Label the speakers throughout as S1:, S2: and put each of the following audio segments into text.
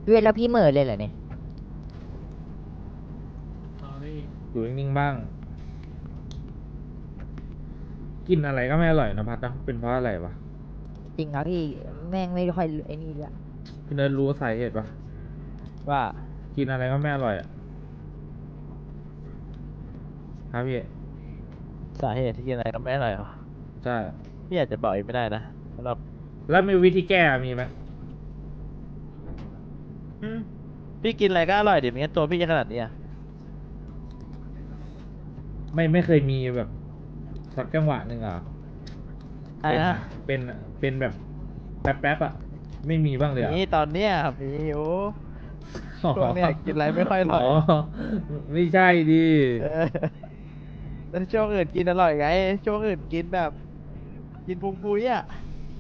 S1: พี่เวทแล้วพี่เหม่อเลยเหรอเนี่ย
S2: อยู่นิ่งๆบ้าง กินอะไรก็ไม่อร่อยนะพัดนะเป็นเพราะอะไรวะ
S1: จริงครับพี่แม่งไม่ค่อยไอ้นี่เลย
S2: พี่เนิร์ดรู้สาเหตุปะ
S3: ว่า
S2: กินอะไรก็ไม่อร่อยอ่ะครับพี่
S3: สาเหตุที่กินอะไรก็ไม่อร่อยเหรอ
S2: ใช่
S3: พี่อาจจะบอกอีกไม่ได้นะสำหรับ
S2: แล้วมีวิธีแก้มีไหม
S3: พี่กินอะไรก็อร่อยดิไม่งั้นตัวพี่จะขนาดนี้อะ
S2: ไม่เคยมีแบบสักจังหวะหนึ่งอ่ะ
S3: อะไรนะ
S2: เป็นแบบแป๊บๆอ่ะไม่มีบ้างเลยอ่ะ
S3: นี่ตอนเนี้ยมีโอ้ช่วงเนี้ยกินอะไรไม่ค่อยอร่อย
S2: ไม่ใช่ดิ
S3: เออแล้วช่วงอื่นกินอร่อยไงช่วงอื่นกินแบบ กินพุงปุยอ่ะ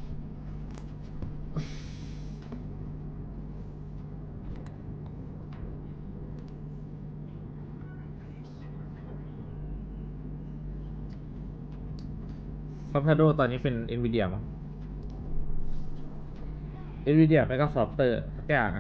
S2: คอมพิวเตอร์ตอนนี้เป็น NVIDIA มั้ง NVIDIA ไม่ก็ซอฟเตอร์สักอย่างอ่ะ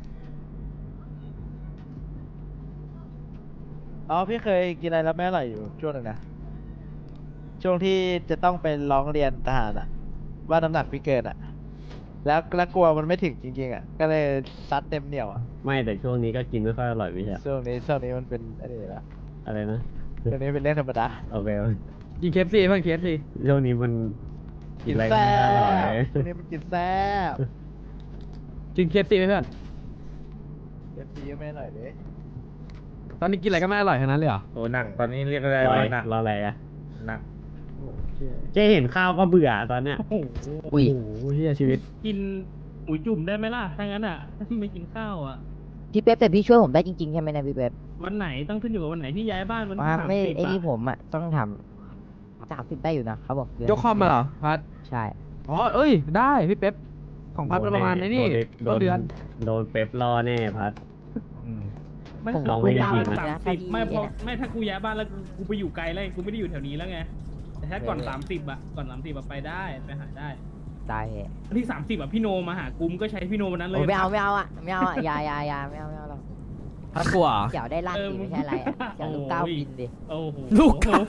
S3: อ๋อพี่เคยกินอะไรแล้วไม่อร่อยอยู่ช่วงหนึ่งนะช่วงที่จะต้องไปร้องเรียนทหารอะว่าน้ำหนักพี่เกินอะแล้วกลัวมันไม่ถึงจริงๆอะก็เลยซัดเต็มเหนียวอะ
S4: ไม่แต่ช่วงนี้ก็กินไม่ค่อยอร่อยไม่ใช่
S3: ช่วงนี้มันเป็นอะไรละ
S4: อะไรนะ
S3: ช่วงนี้เป็นเรื่องธรรมดา
S4: โอเค
S5: กินเคฟซีเพิ่งเคฟซี
S4: ช่วงนี้มันกินอะไรก็
S3: แซ่
S4: ไม่อร่อย
S3: บช่วงนี้มันกินแซ่บ
S5: กินเคฟซีไหมเพื่อน
S3: เดี๋ยวพี่ก็ไม่อร่อยเลย
S5: ตอนนี้กินอะไรก็ไม่อร่อยทั้งนั้นเลยเหรอ
S2: โอ้หนักตอนนี้เรียกได้
S4: รอ
S2: ว่าหนัก
S4: รออะไรอะ
S2: หนัก
S4: เจ๊เห็นข้าวก็เบื่อตอนเนี้ย
S1: อุ้ย
S5: โอ้โหเฮียชีวิต
S6: กินอุ๋ยจุ่มได้ไหมล่ะ ถ้างั้นอ่ะ ไม่กินข้าวอ่ะ
S1: พี่เป๊ปแต่พี่ช่วยผมได้จริงๆใช่ไหมนะพี่เป๊ป
S6: วันไหนต้องขึ้นอยู่กับวันไหนที่ย้ายบ้านวัน
S1: ว่า
S6: ที่
S1: ไม่
S6: 30
S1: ไอ้นี่
S6: อะ
S1: ผมอ่ะต้องทำ30ได้อยู่นะเขาบอกเดืน
S5: ยกคอมมาเหรอพัด
S1: ใช่
S5: อ๋อเอ้ยได้พี่เป๊ปของพัดประมาณไอ้นี่
S4: โด
S5: ต้น
S4: น
S5: เดือน
S4: โดนเป๊ปล่อแน่พัด
S6: ไม่
S1: ผม
S4: ลองไม่ได้กินนะ
S6: สามสิบไม่พอไม่ถ้ากูย้ายบ้านแล้วกูไปอยู่ไกลแล้วกูไม่ได้อยู่แถวนี้แล้วไง แต่ถ้าก่อน 30อ่ะก่อน30อ่ะไปได้ไปหาได้
S1: ได้เหรอ
S6: วันที่30อ่ะพี่โนมาหากูมก็ใช้พี่โนวันนั้นเล
S1: โอ้
S6: ย
S1: ไม่เอาอ่ะไม่เอาอ่ะอย่าไม่เอาหรอก
S5: พัดกลัวเหรอ
S1: เกี่ยวได้ลั่นดีไม่ใช่อะไรอ่ะเกี่ยวลูกเก้าบินดิ
S6: โอ้โห
S5: ลูก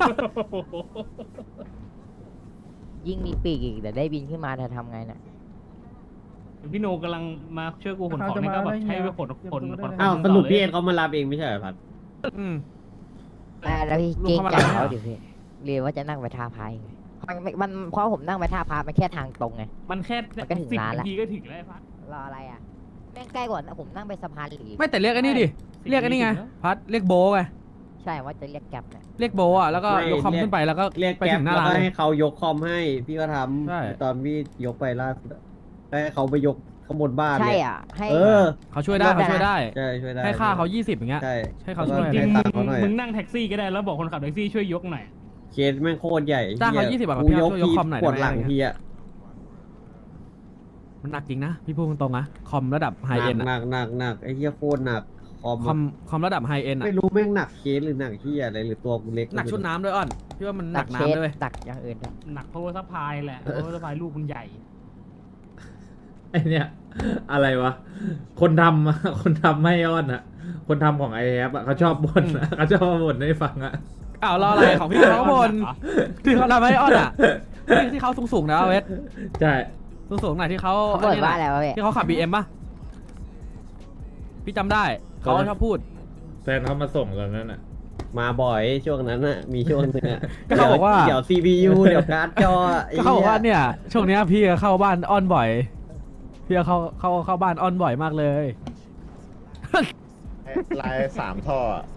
S1: ยิ่งมีปีกอีกแต่ได้บินขึ้นมาจะทำไงน่ะ
S6: พี่โนกำลังมาช่วยกูขนของนี่ก็แบบใช้ไปขน
S4: อ้าวสรุปพี่เอ็น
S6: ต่
S4: เขามารับเองไม่ใช่เหรอพัด
S5: อืม
S1: แล้วพี่
S5: ลู
S1: เกร
S5: ก
S1: ง
S5: เข้ามา
S1: ใจ
S5: แล้ว
S1: เขาดิพี่เรียนว่าจะนั่งไปท่าพายไงมันเพราะผมนั่งไปท่าพามันแค่ทางตรงไง
S6: มันแค่
S1: มันก็ถึง
S6: 10
S1: ร้านละ
S6: นาทีก็ถึงแล้วพัด
S1: รออะไรอ่ะแม่งใกล้กว่าผมนั่งไปสะพานหลี
S5: ไม่แต่เรียกไอ้นี่ดิเรียกไอ้นี่ไงพัดเรียกโบไง
S1: ใช่ว่าจะเรียกแก๊ปเนี่ย
S5: เรียกโบอ่ะแล้วก็ยกคอมขึ้นไปแล้วก็
S4: เรียก
S5: ไป
S4: แก๊
S5: ถึ
S4: ป
S5: งหน้า
S4: แล้ว
S5: ร้าน
S4: ก็
S5: เลย
S4: ให้เขายกคอมให้พี่ก็ท
S5: ใช่
S4: ำตอนพี่ยกไปล่าสุดอะให้เขาไปยกข้างบนบ้าน
S1: ใช่
S4: เลย
S1: อ่ะให้
S4: เออ
S5: เขาช่วยได้
S1: รถ
S5: เขา
S1: อะนะ
S5: ช่วยได้
S4: ใช่ช่วยได้
S5: ให้ค่าเขา20อย่างเงี้ย
S4: ใช่
S5: ให้เขาช่วย
S6: จริง
S4: ให้ตังค์เขาหน่อย
S6: มึงนั่งแท็กซี่ก็ได้แล้วบอกคนขับแท็กซี่ช่วยยกหน่อย
S4: เคสแม่งโคตรใหญ่
S5: จ้างเขา
S4: หี้
S5: 20บาท
S4: กู
S5: พี่
S4: ย
S5: เอา
S4: ก
S5: ช่วยยก
S4: ที
S5: คอมหน่อย
S4: ปวด
S5: ได้ไหม
S4: หลังทีอะ
S5: มันหนักจริงนะพี่พูดตรงๆนะคอมระดับไฮเอ็น
S4: หนักหนักไอ้เหี้ยโคตรหนักคอม
S5: คอมคอมระดับไฮเอ็นอะ
S4: ไม่รู้แม่งหนักเคสหรือหนักเหี้ยอะไรหรือตัวกูเล็ก
S5: หนักชุดน้ำด้วยอ้อนพี่ว่ามันห
S1: ดั
S5: นั
S1: ก
S5: ก
S1: เคส
S5: น้ำด้วย
S1: ดักอย่างอื่นด้วย
S6: หนักเพราะว่าสะพายแหละเพราะว่าสะพายลูกมันใหญ่
S2: ไอเนี่ยอะไรวะ คนทำอะ คนทำไม่อ้อนอ่ะ คนทำของไอแอปอ่ะเขาชอบบ่นอะเขาชอบมาบ่นให้ฟังอ่ะ
S5: อ้าวรออะไรของพี่เขาบนที่เขาทำให้อ้อนอ่ะที่เขาสูงๆนะเวท
S2: ใช่
S5: สูงๆหน่อยที่เขา
S1: เขาบอกว่าอะไรวะพี่
S5: ที่เขาขับ BM ป่ะพี่จำได้เขาชอบพูด
S2: แฟนเขามาส่งตอนนั้นอ่ะ
S4: มาบ่อยช่วงนั้นน่ะมีช่วงนึงอะ
S5: ก็เขาบอกว่า
S4: เดี๋ยว CPU เดี๋ยวการ์ดจอไ
S5: ก็เขาบอกว่าเนี่ยช่วงเนี้ยพี่ก็เข้าบ้านอ้อนบ่อยพี่ก็เข้าบ้านอ้อนบ่อยมากเลย
S7: ลาย3 ท่ออะ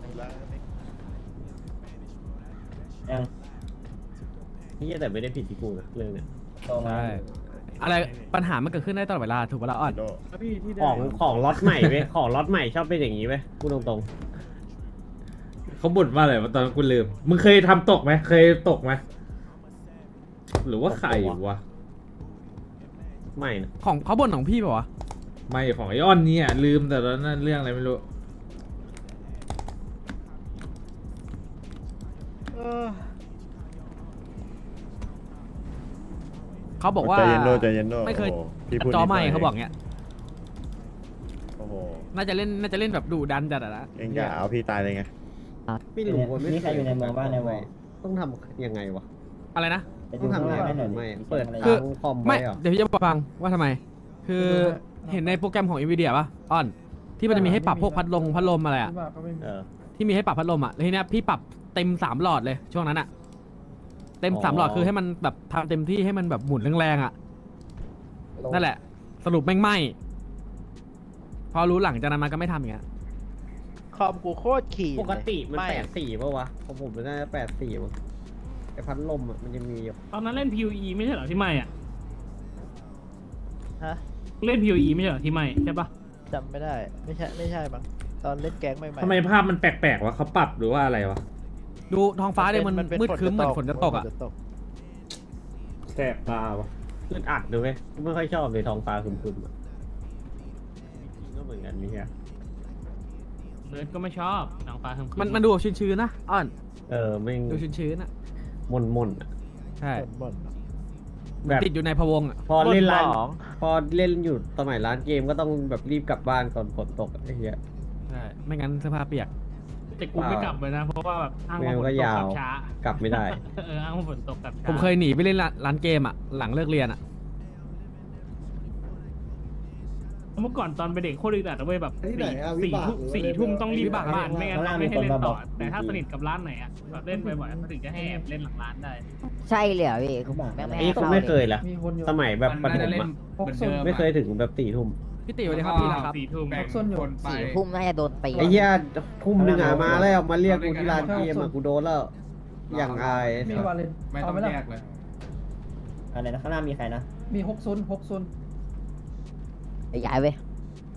S4: เหี้ยแต่ไม่ได้ผิดที่กูนะเรื่องเนี้ย
S5: ใช่อะไรปัญหามันเกิดขึ้นได้ตลอดเวลาถูกปะล่ะอ้อน
S7: โด
S4: ของล็อตใหม่เว้ยของล็อตใหม่ชอบเป็นอย่างนี้เว้ยพูดตรง
S2: เขาบ่นว่าอะไรวะตอนนั้นกูลืม มึงเคยทำตกไหมเคยตกไหมหรือว่าใครวะ
S4: ๆไม่นะ
S5: ของเขาบ่นของพี่ป่าวะ
S2: ไม่ของไอออนเนี่ยลืมแต่ตอนนั้นเรื่องอะไรไม่รู้
S5: เขาบอกว่า
S7: ใจเย็นโดใจเย็นโด
S5: ไม่เคย
S7: โอ้โหพี่พูด
S5: จอ
S7: นิดห
S5: ใหม่
S7: น่ย
S5: เขาบอกเงี้ย
S7: โอ้
S4: โห
S5: น่าจะเล่นแบบดุดันจัดอะนะ
S7: เองจะเอาพี่ตายเลยไง
S4: ไม่รู้ว่าไม่
S8: มีใครอยู่ในเมืองบ้างในวอล
S4: ต้องทำยังไงวะ
S5: อะไรนะ
S8: ไป
S4: ต้
S8: ดู
S4: อง
S8: ข้าง
S4: ทำ
S8: ห
S4: ยัง
S8: น้า
S4: ไง
S8: ให้หน่อยดิ
S4: ไม่เปิด
S8: คือ
S4: ค้างคอม
S5: ไม่
S4: ไว้เหรอ
S5: เดี๋ยวพี่จะฟังว่าทำไม คือเห็นในโปรแกรมของ NVIDIA ป่ะอ้อนที่มันจะมีให้ปรับพวกพัดลมอะไรอะ
S4: เออ
S5: ที่มีให้ปรับพัดลมอะแล้วทีเนี้ยพี่ปรับเต็ม3หลอดเลยช่วงนั้นอะเต็ม
S4: อ๋อ
S5: 3หลอดคือให้มันแบบทำเต็มที่ให้มันแบบหมุนแรงๆอะนั่นแหละ สรุปแม่งไหมพอรู้หลังจากนั้นมันก็ไม่ทำอย่างเงี้ย
S3: คอมกูโคตรขี่
S4: ปกติมัน
S3: ไ
S4: 84ป่ะวะของผมมันน่าจะ84มั้งไอพัดลมอ่ะมันจะมีอยู่
S6: ตอนนั้นเล่น PUE ไม่ใช่เหรอที่ไม่อ่ะ
S3: ฮะ
S6: เล่น PUE ไม่ใช่เหรอที่ไม่ใช่ปะ
S3: จำไม่ได้ไม่ใช่มั้งตอนเล่นแก๊งใหม่ๆ
S2: ทำไมภาพมันแปลกๆวะเขาปรับหรือว่าอะไรวะ
S5: ดูท้องฟ้าเลยมัน
S3: เป็น
S5: มืดครึ้มเหมือนฝนจะตกอะ
S3: ฝนจะตก
S2: แสบตาวะ
S4: อึดอัดด้วยเว้ยไม่ค่อยชอบเลยท้องฟ้าครึมๆอ่ะก็เหมือนกันนี่ฮะ
S6: เนิร์ดก็ไม่ชอบนางฟ้าคำ
S5: มันดูแบบชื้นๆนะอ้อน
S4: ไม่
S5: ดูชื้นๆอะ
S4: มนๆอะ
S5: ใช่
S3: บ่น
S4: แบบ
S5: ติดอยู่ในพะวงอะ
S4: พอเล่นร้าน
S3: บ่นหมอง
S4: พอเล่นอยู่สมัยร้านเกมก็ต้องแบบรีบกลับบ้านก่อนฝนตกอะไอ้เหี้ย
S5: ใช่ไม่งั้นเสื้อผ้าเปียก
S6: แต่กูไม่กลับเลยนะ เพราะว่าแบบอ้าง
S4: แม
S6: ว่าว ฝน
S4: ก็
S6: ตก
S4: ยาก
S6: ลั
S4: ว
S6: บช้าก
S4: ลับไม่ได้
S6: อ้างว่าฝนตกกลับช้า
S5: ผมเคยหนีไปเล่นร้านเกมอะหลังเลิกเรียนอะ
S6: เมื่อก่อนตอนเป็นเด็กโคตรอึดอัดนะเว้ยแบบสี่ทุ่มต้องรีบกลับบ้านไม่งั้นไม่ให้เล่นต่อ แต่ถ้าสนิทกับร้านไหนอ่ะแบบเล่นบ่อยๆก็ถึงจะให้แอบเล่นหลังร้านได้
S1: ใช่เลยเหรอพี่ผมแม่งไม่
S4: ไอ้
S1: ให้
S4: ผม
S1: เข้า
S4: ไม่เค
S1: เลย
S4: ยละสมัยแบบประถมอะไม่เคยถึงแบบ4 ทุ่ม
S5: พี่ติ๋วเลยครับพี่ละครับ
S6: สี่ทุ่ม
S1: 4 ทุ่มน่าจะโดนตี
S4: ไอ้เหี้ยทุ่มหนึ่งอะมาแล้วมาเรียกกูที่ร้านเกมอะกูโดนแล้ว อย่างอาย
S9: มีวาเลนไม่ต้องแยกเลย
S8: อะไรนะข้างหน้ามีใครนะ
S9: มี6 0
S1: ไอ้ย้ายเว้ย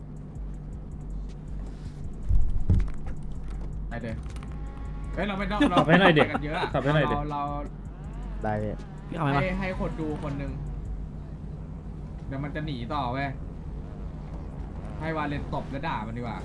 S9: ไปเลยเฮ้ยเราไม่ต้อง
S2: ขับให้หน่อยเด็ก
S9: กันเยอะอะ
S2: ขับให้หน่อยเด็ก
S9: เรา
S3: ได้เลย
S5: พี่เอาไหมวะ
S9: ให้คนดูคนหนึ่งเดี๋ยวมันจะหนีต่อเว้ยให้วาเลนตบแล้วด่ามันดีกว่า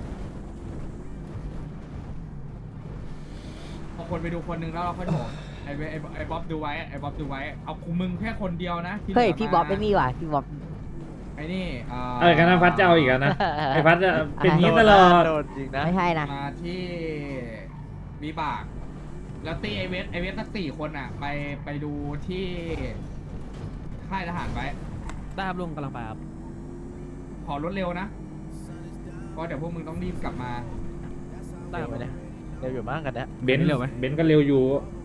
S9: พอคนไปดูคนหนึ่งแล้วเราค่อยโถมไอ้บ๊อบดูไว้ไอ้บ๊อบดูไว้เอาคุมึงแค่คนเดียวนะที่หลื
S1: เฮ้ย
S9: มา
S1: พี่บ๊อบไม่มีว่ะพี่บ๊อบ
S9: ไอ้นี่
S2: อะไรกันนะพัดจะเอาอีกแล้วนะไอ้พัดจะเป็นอย่างนี้ตลอด
S3: โดนจริงนะ
S1: ไม่ใช่นะ
S9: มาที่บีบาก แล้วตีไอเวสสัก4 คนอ่ะ ไปดูที่ค่ายทหารไว้
S5: ได้ครับลุงกำลังไปครับ
S9: ขอรถเร็วนะ เพราะเดี๋ยวพวกมึงต้องรีบกลับมา
S5: ได้ครับ
S3: เดี๋ยวเดี๋ยวอยู่มากกันเนี่ย
S2: เบนซ์
S5: เร็วไหม
S2: เบนซ์ก็เร็วอยู่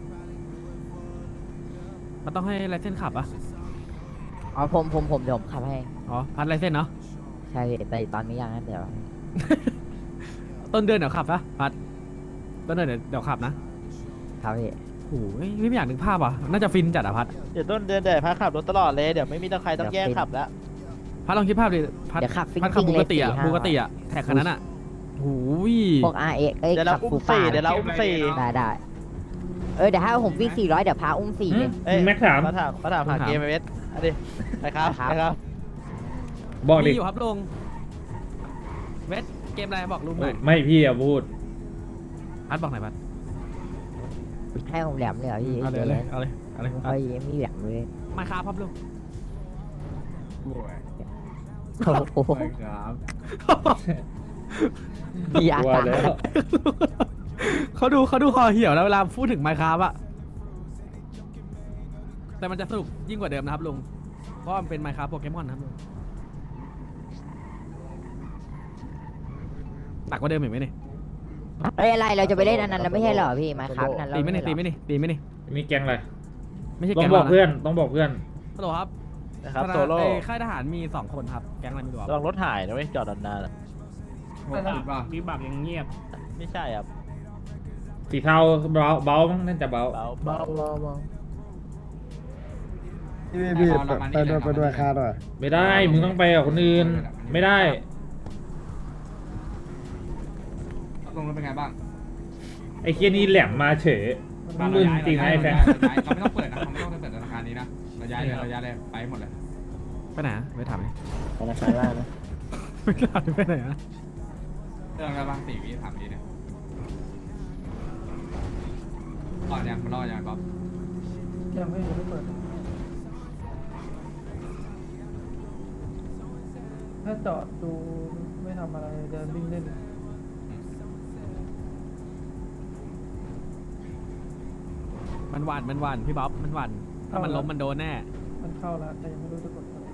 S5: มันต้องให้ไลเซนส์ขับอะ
S1: อ๋อผมเดี๋ยวผมขับให้
S5: อ๋อพัดไลเซนส์เนาะ
S1: ใช่พี่แต่ตอนนี้ยังนะเดี๋ยว
S5: ต้นเดือนเดี๋ยวขับนะพัดต้นเดือนเดี๋ยวขับนะครับ
S1: พี่
S5: โอ้ยไม่อยากนึกภาพอ่ะน่าจะฟินจัดอะพัด
S3: เดี๋ยวต้นเดือนเดี๋ยวพาขับรถตลอดเลยเดี๋ยวไม่มีต้องใครต้องแย่งขับแล้ว
S5: พัดลองคิดภาพดิพัด
S1: เดี๋ยวขับฟิ้ง
S5: พัดขับ
S1: ๆ
S5: บู
S1: เลย
S5: กติอะ
S1: 4-5
S5: บูกติอะแท็กคันนั้นอะโอ้ย
S1: พวก RX เอ้ย
S3: เดี๋ยวเรา
S1: ขับ
S3: อุ้
S1: ฟู
S3: ม
S1: ฟ้า
S3: 4เดี๋ยวเราอุ้ม4
S1: ได้เดี๋ยวถ้าผมวิ่ง400เดี๋ยวพาอุ้ม4เลย
S3: เอ้ย
S2: แม็กถาม
S3: มาถามหาเกมไอเวสอันนี้ไปครับไปครับ
S2: บอกดิ
S5: มีอยู่ครับลุงเวทเกมอะไรบอกลุงหน่อย
S2: ไม่พี่อะพูด
S5: พัดบอกหน่อยพัด
S1: ให้ผมแหลมเลยเหรอพี่
S5: เอาเลยเอาเลยเอาเลย
S1: ไม่ค่อยมีแหลมเลย
S5: มาคาพับลุง
S9: โอ้ย
S1: โอ้โห
S9: ไปครับ
S1: มีอาก
S2: ลัว
S1: การ
S2: แล้ว
S5: เขาดูคอเหี่ยวแล้วเวลาพูดถึงไมค์คาบอะแต่มันจะสนุกยิ่งกว่าเดิมนะครับลุงเพราะมันเป็นไมค์คาโปเกมอนนะครับลุงหนักกว่าเดิมอีกไหมเนี่ย
S1: เอ้ยอะไรเราจะไปเล่นอันนั้นแล้วไม่ใช่เหรอพี่มาครับนั้นเรา
S5: ตีไม่นี่ตีไม่นี่ตีไม่นี่
S2: มีแก๊งอะไร
S5: ไม่ใช่
S2: ต้อ
S5: แก๊
S2: ง
S5: ง
S2: บอก
S5: เรา
S2: เพื่อนต้องบอกเพื่อน
S5: ฮัลโหลครับ
S3: นะครับโซโล่
S5: ค่ายทหารมี2 คนครับแก๊งอะไรไม่รู้ครับ
S3: ลองรถหายนะเว้ยจอดนานๆอะ
S6: มีบักยังเงียบ
S3: ไม่ใช่ครับ
S2: สีเทาเบามั้งน่าจะเบา
S3: เบา
S9: ไปด้วยค่าด้วย
S2: ไม่ได้มึงต้องไปกับคนอื่นไม่ได้
S9: ตรงนั้นเป็นไงบ้าง
S2: ไอ้เคียนี่แหลมมาเฉยมึงจริงไหมไอ้แฟน
S9: เราไม่ต้องเปิดนะเราไม่ต้องเปิดธนาคารนี้นะเราย้ายเลยไปหมดเลย
S5: ไปไหนอะไปถามเลย
S8: ธนาคารล่างนะ
S5: ไม่ถามไปไหนอะ
S9: เรื่องอะไรบ้าง4 วิถามดีเนี่ยรอดยังมันรอดยังบ๊อบ
S1: ยังไม่เปิด
S3: ถ้าจอดดูไม่ทำอะไรเดินวิ่งเล่น
S5: มันหวั่นพี่บ๊อบมันหวั่นถ้ามันล้มมันโดนแน่
S3: มันเข้าแล้วแต่ยังไม่รู้จะกดอะไร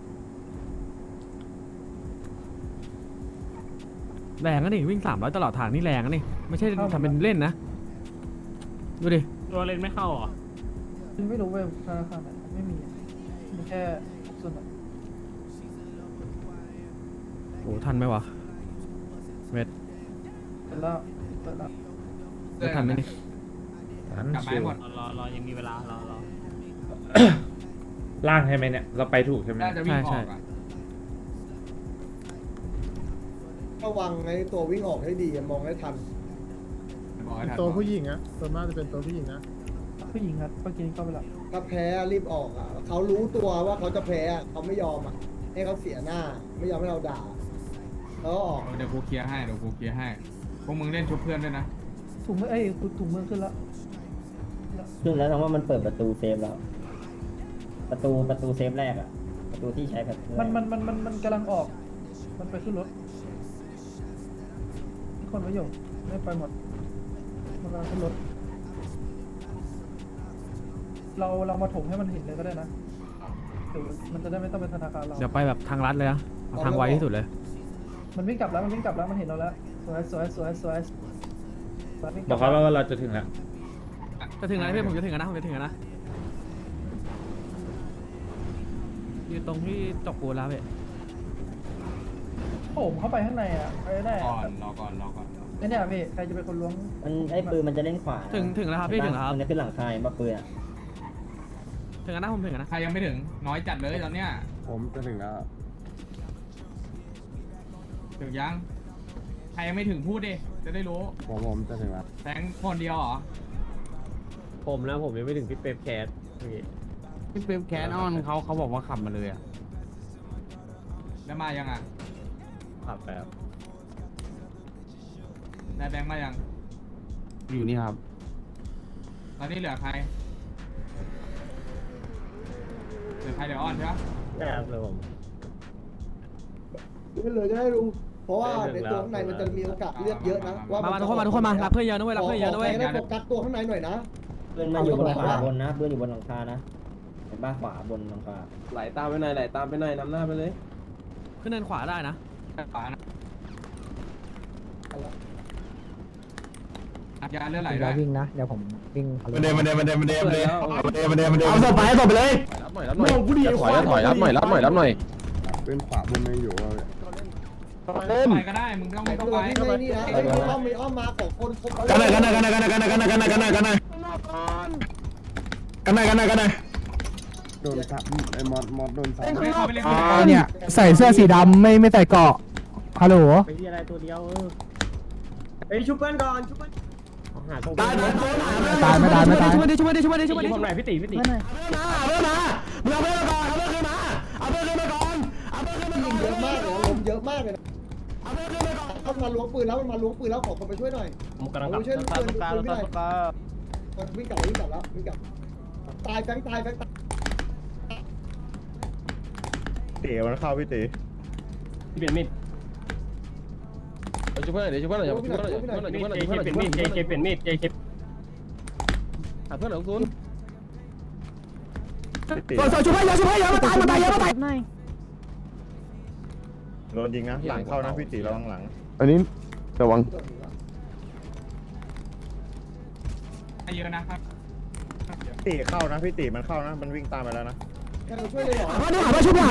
S5: แรงนะนี่วิ่ง300ตลอดทางนี่แรงนะนี่ไม่ใช่ทำเป็นเล่นนะดูดิ
S6: ตัวเล่นไม่เข้าเหรอ
S3: ไม่รู้เว้ยธนาคารไหนไม่มีมีแค่ส่วน
S5: โอ้ทันไหมวะเวท
S3: เสร็จแล้วเสร็จแล้ว
S5: เวททันไหมนี่
S9: กลับมาให้หมด
S6: รอยังมีเวลารอ
S2: ล่างใช่ไหมเนี่ย เราไปถูกใช่ไหม
S9: น่าจะวิ่งออกอ่ะ
S7: ระวังในตัววิ่งออกให้ดีมองให้ทัน
S9: บอกให้ทัน
S10: ตัวผู้หญิงอะส่วนมากจะเป็นตัวผู้หญิงนะ
S3: ผู้หญิงครับเมื่อกี้เข้าไปแล้ว
S7: ถ้าแพ้รีบออกอ่ะเขารู้ตัวว่าเขาจะแพ้อะเขาไม่ยอมอ่ะให้เขาเสียหน้า ไม่ยอมให้เราด่าแล้วก็ออก
S9: เดี๋ยวกูเคลียร์ให้พวกมึงเล่นชุบเพื่อนด้วยนะ
S3: ถุงมือถุงมือขึ้นแล้ว
S8: ซึ่งแล้วแสดงว่ามันเปิดประตูเซฟแล้ว ประตูเซฟแรกอะประตูที่ใช้แบบ
S3: มันกำลังออก มันไปขึ้นรถทุกคนไม่อยู่ไม่ไปหมดมันกำลังขึ้นรถเรามาถมให้มันเห็นเลยก็ได้นะเดี๋ยวมันจะได้ไม่ต้องเป็นธนาคารเรา
S5: เดี๋ยวไปแบบทางลัดเลยนะเอาทางไวที่สุดเลย
S3: มันวิ่งกลับแล้วมันเห็นเราแล้วสวย
S2: บอกเขาว่าเราจะถึงแล้ว
S5: จะถึงแล้วพี่ผมจะถึงแล้วนะอยู่ตรงที่จกปูนแล้วพี่
S3: ผมเข้าไปข้างในอ่ะไปได้
S9: รอก่อน
S3: เนี่ยพี่ใครจะเป็นคนล้วง
S8: มันไอ้ปืนมันจะเล่นขวานะ
S5: ถึงแล้วครับพี่ถึงแล้วครับ
S8: มันจะขึ้นหลังคายมาปืนอะ
S5: ถึงแล้วนะผมถึงแล้วนะ
S9: ใครยังไม่ถึงน้อยจัดเลยตอนเนี้ย
S10: ผมจะถึงแล้ว
S9: ถึงยังใครยังไม่ถึงพูดดิจะได้รู้
S10: ผมจะถึงแล้ว
S9: แตงคนเดียวเหรอ
S4: ผมยังไม่ถึงพี่เป๊ปแคสพี่
S5: พี่เป๊ปแคนออนเขาบอกว่าขับมาเลยอ่ะ
S9: แล้วมายังอ่ะ
S4: ขับแบบ
S9: นายแบงค์มายัง
S5: อยู่นี่ครับ
S9: ตอนนี้เหลือใครเดี๋ยวอ้อนใช่ปะ
S4: แอบเลยผม
S7: ไม่เลยจะได้รู้ เพราะว่าในตัวข้างในมันจะมีโอกาสเลือกเยอะนะว่า
S5: มาทุกคนมารับเพื่อนเยอะนะเว้ยรับเพื่อนเยอะนะเว้ย
S7: ได้โฟกัสตัวข้างในหน่อยนะ
S8: ปืนมันอยู่บนหลังคาบนนะปืนอยู่บนหลังคานะเห็นบ้าขวาบนหลังคา
S4: ไหลตามไปหน่อยนำหน้าไปเลย
S5: ขึ้นเนินขวาได้นะ
S9: ขวานะยาเลือดไหลด้วย
S1: วิ่งนะเดี๋ยวผมวิ่งเขา
S10: มันเดเอาศพไปเลย
S4: รับหน่อยรับหน่อย
S10: เป็นขวาบนไม่อยู่เลย
S9: ไปก็ได้มึงไม่ต้อง
S7: ไอ้
S9: เข้า
S7: ตัว
S9: ไป
S7: ที่ในนี่นะไอ้อ้อมมาของคนครบ
S10: กันไหนโดนทับไอ้มอดโดนทับ
S9: ไม่เข้าไปเล่น
S3: เนี่ยใส่เสื้อสีดำไม่ใส่เกาะฮัลโหล
S4: ไปที่อะไรตัวเดียวไปชุบเพื่อนก่อนชุบเพื่อนหาตรง
S3: ตายไม่ตายช่วยดิ
S4: ชุบผมหน่อยพี่ตี
S7: ยิงเยอะมากเลยลมเยอะมากเลยนะเข้ามาล้วงปืนแล้วมันมาล้วงปืนแล้วขอคนไปช่วยหน่อย
S4: ผมกำลัง
S7: ช่วยเพื่อนไม่ได้วิ่งกลับแล้วตายแฟงตาย
S10: เต๋มันเข้าพี่เต๋
S4: พี่เป็นมิดชุบเพื่อนเดี๋ยวชุบเพื่อนหน่อยชุบเพื่อนหน่อยเป็นมิดเจเป็นมิดหาเพื่อนหน่อยคุณ
S3: ช่วยเยอะมาตายหน่อย
S10: โดนยิงนะหลังเข้านะพี่เต๋ระวังหลังอันนี้ระวัง
S9: เยอะนะครับ
S10: เต๋เข้านะพี่เต๋มันเข้านะมันวิ่งตามไปแล้วนะ
S7: แค่เราช่วยเลยเหรอ
S3: เพื่อนนี่โดนพี่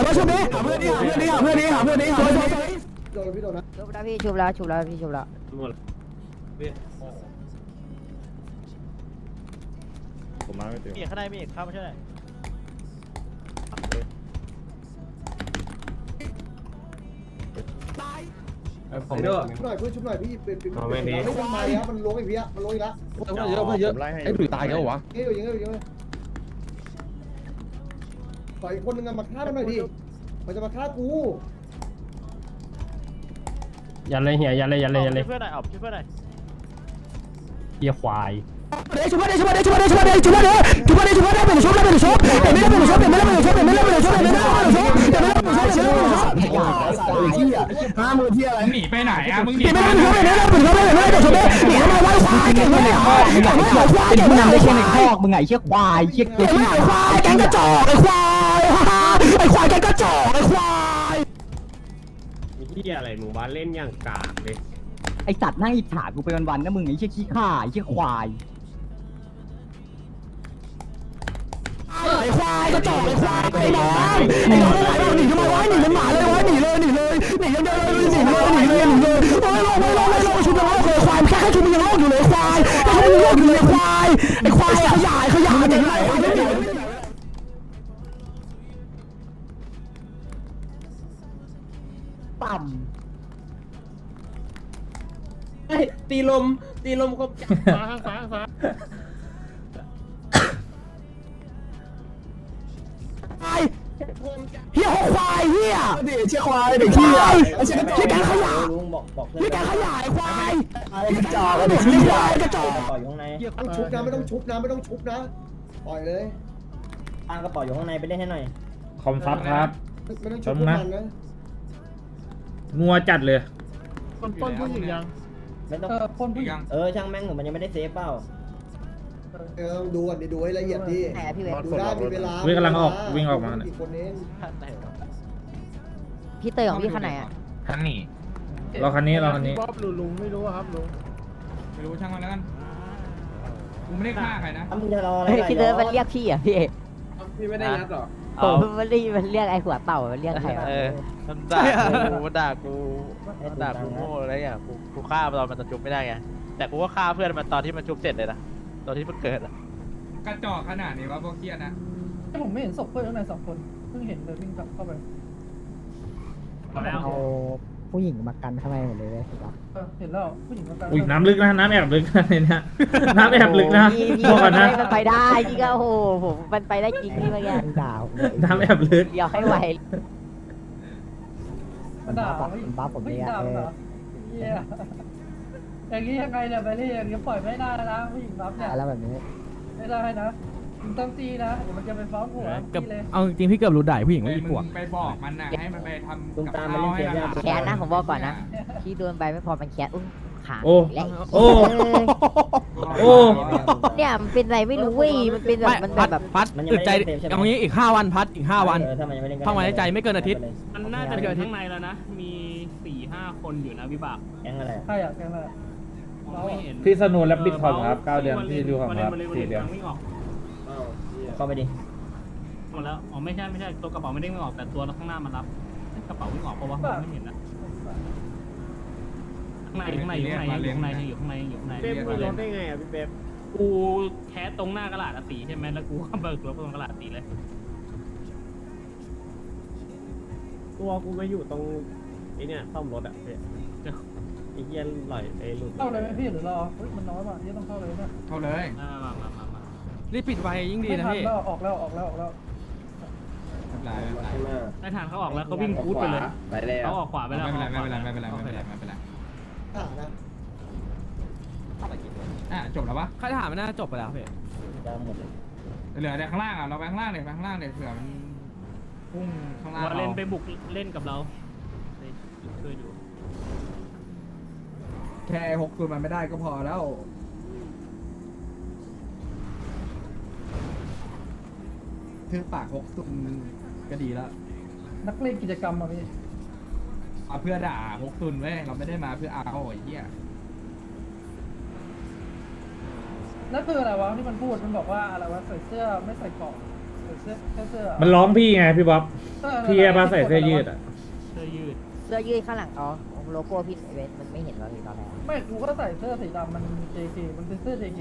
S3: โดนนะ
S1: ชุบแล้วพี่ชุบแล้วพี่ชุบแล้ว
S10: ผมมาพี่เต๋
S3: มีข้างในมีเข้ามาช่วยหน่อย
S4: ผมด้วย
S7: ชุบหน่อยพี่ไม่ทำไมครับมันล้วงอีกพี่มันล้วงอีกแล้ว
S10: เยอะไอ้ดุยตายแล้ววะ
S7: เยอะขออีกคนนึงมาฆ่ามันหน่อยดิมันจะมาฆ่ากู
S4: ยันเลยเฮียยันเลย
S3: เพื่อนหน่อยเอาช่วยเพื่อนหน่อย
S4: เฮียควาย
S3: ช่วยเป็นชุบ
S5: มึงหนีไม่ได้มึงไม่ได้มึงไม่ได้หนีทำไมวะควายแกงไม่ได้ควายมึงนำได้แค่ในคอกมึงไงเชี่ยควายเชี่ยตัวที่ไหนควายแกงกระจอกไอ้ควายไอ้ควายแกงกระจอกไอ้ควาย
S4: มีที่อะไรหมู่บ้านเล่นอย่างกากเลย
S5: ไอ้สัตว์นั่งอิจฉากูไปวันๆนะมึงไอ้เชี่ยขี้ข้าไอ้เชี่ยควายไอ้ควายกระจอกไอ้ควายไอ้น้องไอ้น้องหนีทำไมวะหนีเป็นหมาเลยวะหนีเลยหนีเลยหนียังเดียวเลยหนีเลยไม่ลงชุบยังโลกเลยควายแค่ชุบยังโลกอยู่เลยควายแค่ชุบยังโลกอยู่เลยควายไอ้ควายขยายหนีไหนต่ำ
S4: ตีลมครบ
S6: ฟ้าข้างฟ้าข้างฟ้า
S5: เฮียควายเฮียเด็กเชี่ยควายเด็กเฮียเชี่ยแกขยะ
S8: ลุงบอกเพื่อน
S5: เฮียแกขยะไอ้ควาย
S8: กระจอก
S5: เด็กเฮียกระจอก
S8: กระเป๋าอยู่ข้างใน
S7: ต้องชุบนะไม่ต้องชุบนะไม่ต้องชุบนะปล่อยเลย
S8: ตั้งกระเป๋าอยู่ข้างในไปเล่นให้หน่อย
S2: คอมซับครับ
S7: ไม่ต้องชุบพวกมันนะ
S2: นัวจัดเลย
S6: ต้นผู้หญิงยัง
S8: ไม่ต้องช่างแม่งหนูมันยังไม่ได้เซฟเปล่า
S7: ต้องดูก่อนดูให้ละเอียดดิ
S1: ไหนอะพี่เวท
S7: ดูได้มีเวลา
S2: วิ่งกำลังออกวิ่งออกมา
S7: อีกคนเอง
S1: พี่เตยของพี่คันไหนอะ
S2: รอคันนี้
S6: บ๊อบลุงไม่รู้ครับลุง
S9: ไม่รู้ช่างมันแล้วกันกูไม่ได้ฆ่าใครนะ
S8: ถ้ามึงจะรออะไร
S1: เฮ้ยพี่เตยมันเรียกพี่อะพี่
S3: พี่ไม่ได้ยัดหรอ
S1: ผมมันเรียกไอ้หัวเต่ามันเรียกใครวะ
S3: มันด่ากูโง่อะไรอย่างกูฆ่าตอนมันจะจุบไม่ได้ไงแต่กูก็ฆ่าเพื่อนมันตอนที่มันจุบเสร็จเลยนะตอนที่มันเกิดอะ
S9: กระจอกขนาดนี้ว่าพวกเคียนะ
S6: ผมไม่เห็นศพเพื่อนข้างใน2 คนเพิ่งเห็นเลยวิ่งกลับเข้าไปแล้ว
S1: เอาผู้หญิงมากันข้างในหมดเลยสิครับ
S6: เห็นแล้วผู้หญิงมากัน
S2: อุ้ยน้ำลึกนะน้ำแอบลึกนะเนี่ยน้ำแอบลึกนะ
S1: พี่
S2: บอกก่อนนะ
S1: มันไปได้พี่ก็โอ้โหผมมันไปได้จริงพี่เมื่อกี้ด่าผมเลย
S2: น้ำแอบลึก
S1: เดี๋ยวให้ไว
S6: มันด่า
S1: มันบ้าผมเลยอะ
S6: อย่างนี้ยังไงเนี่ยไปนี่อย่างนี้ปล่อยไม่ได้นะผู้หญิงรับเนี่ย
S1: แล้วแบบนี้
S6: ไม่ได้นะมึงต้องตีนะเดี๋ยวมันจะไปฟ้องหัว
S5: เกือบ
S6: พี่เลย
S5: เอาจริงพี่เกือบรู้ได้ผู้หญิงว่าอีปวก
S9: ไปบอกมันนะให้มันไปทำ
S8: ลุง
S9: กับ
S8: ตาม
S9: ข้า
S8: มา
S9: ว
S8: เล่น
S9: ให้
S8: เกม
S9: ห
S8: ยาก
S9: ลาน
S1: แค้นนะผมบอกก่อนนะพี่โดนไปไม่พอมันแค้นอุ้ยขา
S2: โอ้
S1: และ
S2: โอ้ โอ้
S1: เนี่ยมันเป็นอะไรไม่รู้เว้ยมันเป็นแบบมันแบบ
S5: พัดอึดใจเอางี้อีก5 วันพัดอีก5 วัน
S8: ถ้ามันยังไม่เล่น
S5: ท่องไว้ในใจไม่เกินอาทิตย์
S6: มันน่าจะถึงข้างในแล้วนะ มี 4-5 คนอยู่นะวิบาก
S8: แก๊งอะไร
S6: ใช่อะแกมาไม่เห็น
S2: พี่สนุนและบิตคอยครับ9 เดือนพี่ดูของครับ4 เดือน
S6: ไม่ออก
S8: เข้าไปดิ
S6: หมดแล้วอ๋อไม่ใช่ตัวกระเป๋าไม่ได้ไม่ออกแต่ตัวข้างหน้ามันรับกระเป๋าไม่ออกเพราะว่าไม่เห็นนะข้างในอยู่ข้างในอยู่ข้างในอยู่ข้างในอยู่ข้างใน
S4: เป๊ปมีรถได้ไงอ่ะพี่เป๊ป
S6: กูแคสตรงหน้ากระดาษสีใช่ไหมแล้วกูก็เบิกรถตรงกระดาษสีเลย
S4: ตัวกูไปอยู่ตรงไอ้เนี่ยซ่อมรถอ่ะพี่ไอ้เหี้ยไหลไอ้หลุด
S6: เข้าเลยไหมพี่หรือรอมันน้อยว่ะที่ต้องเข้าเลยนะ
S9: เข้าเลย
S6: มา
S5: รีบปิดไวยิ่งดี
S6: ไม่
S5: นะ
S6: ทัน
S5: พี่
S6: แล้วออกแล้ว
S9: ไม่เป็นไรไม่เป็นไร
S6: ไม่ทันเขาออกแล้วเขาวิ่งคูดไปเลยเขาออกขวาไปแล้ว
S9: ไม่เป็นไรไม่เป็นไรไม่เป็นไรไม่เป็นไร
S7: อ่านะ
S9: จบแล้วปะ
S5: ค่าถามมันน่าจบไปแล้วพี่
S8: จะหมดเลย
S9: เหลือแต่ข้างล่างอ่ะเราไปข้างล่างเลยไปข้างล่างเลยเผื่อมันพุ่งข้างล่าง
S6: ว่าเล่นไป
S9: เรา
S6: บุกเล่นกับเราช่วยอยู่
S9: แค่6 ตัวมันไม่ได้ก็พอแล้วคือปาก6 ตัวก็ดีแล้ว
S6: นักเล่นกิจกรรมอ่ะพี่
S9: เอาเพื่อด่า6 ตุนเว้ยเราไม่ได้มาเพื่อเอาไอ้เหี้ย
S6: นั่นคืออะไรวะที่มันพูดมันบอกว่าอะไรวะใส่เสื้อไม่ใส่เกราะใส่เสื้อแค่เสื้อ
S2: มันร้องพี่ไงพี่บ๊อบพี่มาใส่เสื้อยืดอ่ะ
S6: เสื้อยืด
S1: เสื้อยืดข้างหลังอ๋อโลโก้พี่เวทมันไม่เห็นว่าพี่ตอนแรก
S6: ไม่กูก็ใส่เสื้อสีดำมัน JK มันเป็นเสื้อ JK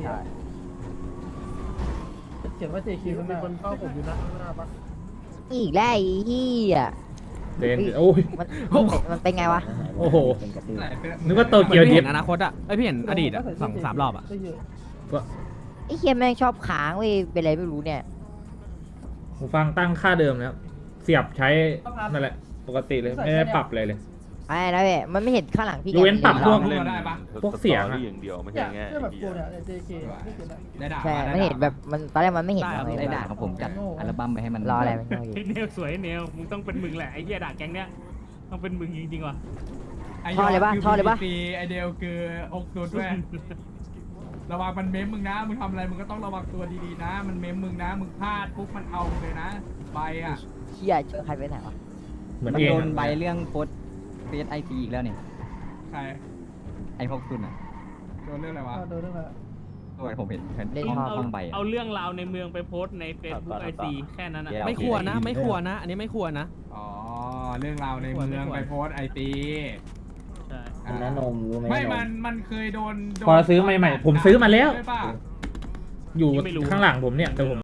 S6: เขียนว่า JK ข้างหน้าคนเข้าผมอยู่นะข้างหน้าปะ
S1: อีกแล้วไอ้เหี้ย
S2: เดนโอ้ย
S1: มันเป็นไงวะ
S2: โอ้โห
S8: เป็นกระตือ
S9: ไหนเป็น
S2: นึกว่าโต
S5: เหมือน
S2: เกียว
S5: พี่
S2: ดิ
S5: เห็
S2: ฟ
S5: นอนาคตอ่ะไอยพี่เห็นอดีตอ่ะ2-3 รอบอ่ะ
S6: เสื้ยืด
S1: ไอ้เคียแม่งชอบค้างเว้ยเป็นอะไรไม่รู้เนี่ย
S2: หูฟังตั้งค่าเดิมแล้วเสียบใช้นั่นแหละปกติเลยไม่ได้ปรับอะไรเลย
S1: ไอ้นะเว้ยมันไม่เห็นข้างหลังพี่
S2: ยกเว้นปรับพวก
S9: เราได้ปะ
S2: พวกเสียงอะ
S6: อย่างเดียวไม่ใช่ไงเสื้อแบบกูเนี่ย JK ไม่เขียนอะ
S9: ได้ด่า
S1: ใช่ไม่เห็นแบบมันตอนแรกมันไม่เห็น
S5: ได้ครับ
S1: เลย
S5: ได้ด่าครับผมจัดอัลบั้มไปให้มัน
S1: รออะไรมันก็อยู่
S6: เนลสวยเนลมึงต้องเป็นมึงแหละไอ้เหี้ยด่าแก๊งเนี้ยต้องเป็นมึงจริงๆว่ะ
S9: ไอ้
S1: ท่อเลยปะ
S9: คือ
S1: ท่อเลยปะ
S9: PPC ไอเดลคือ60ด้วย ระวังมันเม้มมึงนะ มึงทำอะไรมึงก็ต้องระวังตัวดีๆนะ มันเม้มมึงนะ มึงพลาดปุ๊บมันเอามึงเลยนะใบอ่ะ
S1: เชี่ยเจอใครไปไหนวะ
S2: เหมือน
S11: มัน
S2: เอง
S11: โดน
S2: อะ
S11: ใบเรื่องโพสเฟซไอซีอีกแล้วเนี่ย
S9: ใคร
S11: ไอพวกคุณอ่ะ
S9: โดนเรื่องอะไรวะ
S11: ตัวผมเห็น
S1: เล่น
S11: ห้อง
S1: ท่อ
S11: ห้องใบอะ
S6: เอาเรื่องราวในเมืองไปโพสต์ในเฟซบุ๊กไอซีแค่นั้นอ่ะ
S11: แย่
S5: ไม่ควรนะไม่ควรนะ อันนี้ไม่ควรนะ
S9: อ๋อ เรื่องราวในเมืองไปโพสไอตี
S6: ใช่
S8: อันนั้นนมรู้ไหม
S9: ไม่
S8: น
S9: มันเคยโดน
S2: พอซื้อใหม่ๆผมซื้อมาแล้ว
S9: ใช่ปะ
S2: อยู่ข้างหลังผมเนี่ยเดี๋ยวผม